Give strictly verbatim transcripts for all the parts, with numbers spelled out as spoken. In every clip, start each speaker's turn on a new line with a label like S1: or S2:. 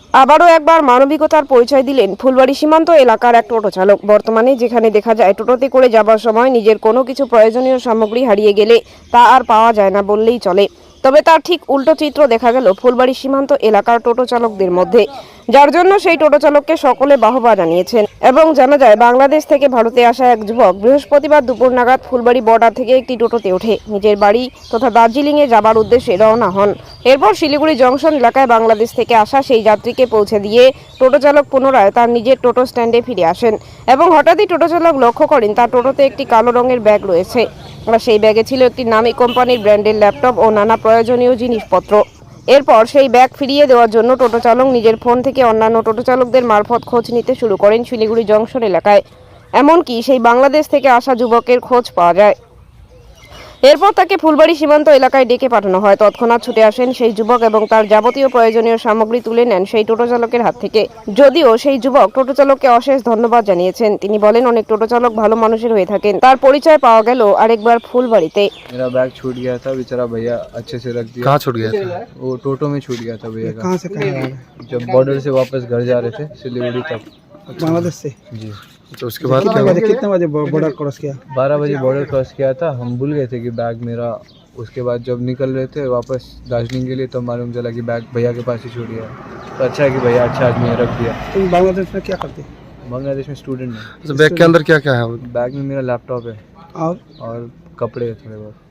S1: আবারও একবার মানবিকতার পরিচয় দিলেন ফুলবাড়ী সীমান্ত এলাকার এক টোটো চালক। বর্তমানে যেখানে দেখা যায় টোটোতে করে যাবার সময় নিজের কোনো কিছু প্রয়োজনীয় সামগ্রী হারিয়ে গেলে তা আর পাওয়া যায় না বললেই চলে, তবে তার ঠিক উল্টো চিত্র দেখা গেল ফুলবাড়ী সীমান্ত এলাকার টোটো চালকদের মধ্যে, যার জন্য সেই টোটো চালককে সকলে বাহবা জানিয়েছেন। এবং জানা যায় বাংলাদেশ থেকে ভারতে আসা এক যুবক বৃহস্পতিবার দুপুর নাগাদ ফুলবাড়ী বর্ডার থেকে একটি টোটোতে ওঠে নিজের বাড়ি তথা দার্জিলিংয়ে যাবার উদ্দেশ্যে রওনা হন। এরপর শিলিগুড়ি জংশন এলাকায় বাংলাদেশ থেকে আসা সেই যাত্রীকে পৌঁছে দিয়ে টোটো চালক পুনরায় তার নিজের টোটো স্ট্যান্ডে ফিরে আসেন এবং হঠাৎই টোটো চালক লক্ষ্য করেন তার টোটোতে একটি কালো রঙের ব্যাগ রয়েছে। আর সেই ব্যাগে ছিল একটি নামী কোম্পানির ব্র্যান্ডের ল্যাপটপ ও নানা প্রয়োজনীয় জিনিসপত্র। এরপর সেই ব্যাগ ফিরিয়ে দেওয়ার জন্য টোটো চালক নিজের ফোন থেকে অন্যান্য টোটো চালকদের মারফত খোঁজ নিতে শুরু করেন শিলিগুড়ি জংশন এলাকায়। এমনকি সেই বাংলাদেশ থেকে আসা যুবকের খোঁজ পাওয়া যায়। এরপর তাকে ফুলবাড়ী সীমান্ত এলাকায় ডেকে পাঠানো হয়। তৎক্ষণাৎ ছুটে আসেন সেই যুবক এবং তার যাবতীয় প্রয়োজনীয় সামগ্রী তুলে নেন সেই টোটো চালকের হাত থেকে। যদিও সেই যুবক টোটো চালককে অশেষ ধন্যবাদ জানিয়েছেন। তিনি বলেন অনেক টোটো চালক ভালো মানুষের হয়ে থাকেন। তার পরিচয় পাওয়া গেল আরেকবার ফুলবাড়ীতে।
S2: मेरा बैग छूट गया था, बेचारा भैया अच्छे से रख दिया।
S3: कहाँ छूट गया था?
S2: वो टोटो में छूट गया था भैया का।
S4: कहाँ से कहाँ आ रहे?
S2: जब बॉर्डर से वापस घर जा रहे थे सिलीगुड़ी तक।
S4: बांग्लादेश से?
S2: जी
S3: तो उसके बाद
S4: कितने
S3: क्या
S4: बजे
S3: हुआ?
S4: कितने बजे बॉर्डर क्रॉस किया?
S2: बारह बजे बॉर्डर क्रॉस किया था। हम भूल गए थे कि बैग मेरा, उसके बाद जब निकल रहे थे वापस दार्जिलिंग के लिए तो मालूम चला कि बैग भैया के पास ही छूट गया। तो अच्छा है कि भैया अच्छा आदमी है, रख दिया।
S4: तुम बांग्लादेश में क्या करते?
S2: बांग्लादेश में स्टूडेंट है।
S3: तो बैग के अंदर क्या क्या है?
S2: बैग में मेरा लैपटॉप है
S4: और
S2: और कपड़े है थोड़े बहुत।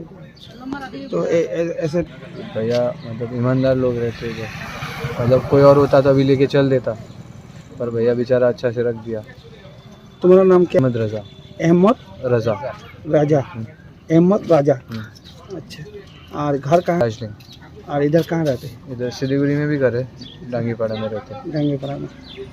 S4: तो ए- ए- ऐसे
S2: भैया मतलब ईमानदार लोग रहते हैं, मतलब कोई और होता तो अभी लेके चल देता, पर भैया बेचारा अच्छा से रख दिया।
S4: तुम्हारा नाम क्या?
S2: अहमद रजा।
S4: अहमद
S2: रजा
S4: राजा। अहमद राजा। अच्छा। और घर कहाँ?
S2: दार्जिलिंग।
S4: और इधर कहाँ रहते?
S2: इधर सिलीगुड़ी में भी करे, डांगीपाड़ा में रहते।
S4: ডাঙ্গিপাড়া में।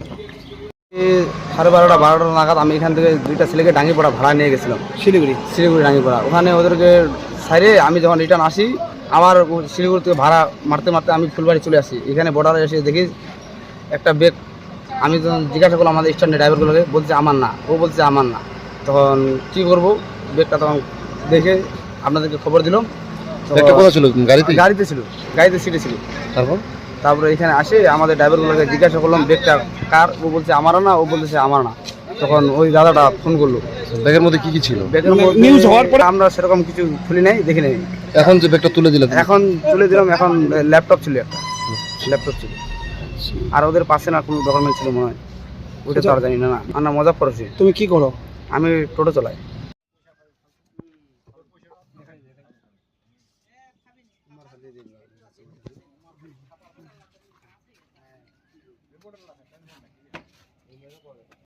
S5: সাড়ে বারোটা বারোটা নাগাদ আমি এখান থেকে দুইটা ছেলেকে ডাঙ্গিপাড়া ভাড়া নিয়ে গেছিলাম,
S4: শিলিগুড়ি।
S5: শিলিগুড়ি ডাঙ্গিপাড়া। ওখানে ওদেরকে সাইরে আমি যখন রিটার্ন আসি, আমার শিলিগুড়ি থেকে ভাড়া মারতে মারতে আমি ফুলবাড়ি চলে আসি। এখানে বর্ডারে এসে দেখি একটা ব্যাগ। আমি যখন জিজ্ঞাসা করলাম আমাদের স্ট্যান্ডে ড্রাইভারগুলোকে, বলছে আমার না, ও বলছে আমার না। তখন কী করবো, ব্যাগটা তখন দেখে আপনাদেরকে খবর দিলাম। তো
S3: ব্যাগটা কোথায় ছিল? গাড়িতে?
S5: গাড়িতে ছিল, গাড়িতে সিটে ছিল।
S3: তারপর
S5: তারপরে এখানে আসে আমাদের ড্রাইভারগুলোকে জিজ্ঞাসা করলাম ব্যাগটা কার, ও বলছে আমারও না, ও বলতেছে আমার না। তখন ওই দাদাটা ফোন করলো।
S3: ব্যাগের মধ্যে কি কি ছিল?
S5: ব্যাগের
S4: মানে
S5: মধ্যে
S4: নিউজ হওয়ার পরে
S5: আমরা সেরকম কিছু খুলি নাই, দেখি নাই।
S3: এখন যে ব্যাগটা তুলে দিলে
S5: এখন তুলে দিলাম, এখন ল্যাপটপ ছিল, একটা ল্যাপটপ ছিল। আর ওদের পাশে না কোনো ডকুমেন্ট ছিল মনে হয়, ওইটা তো আর জানি না। না আমরা মজা করেছি।
S4: তুমি কি করো?
S5: আমি টোটো চালাই।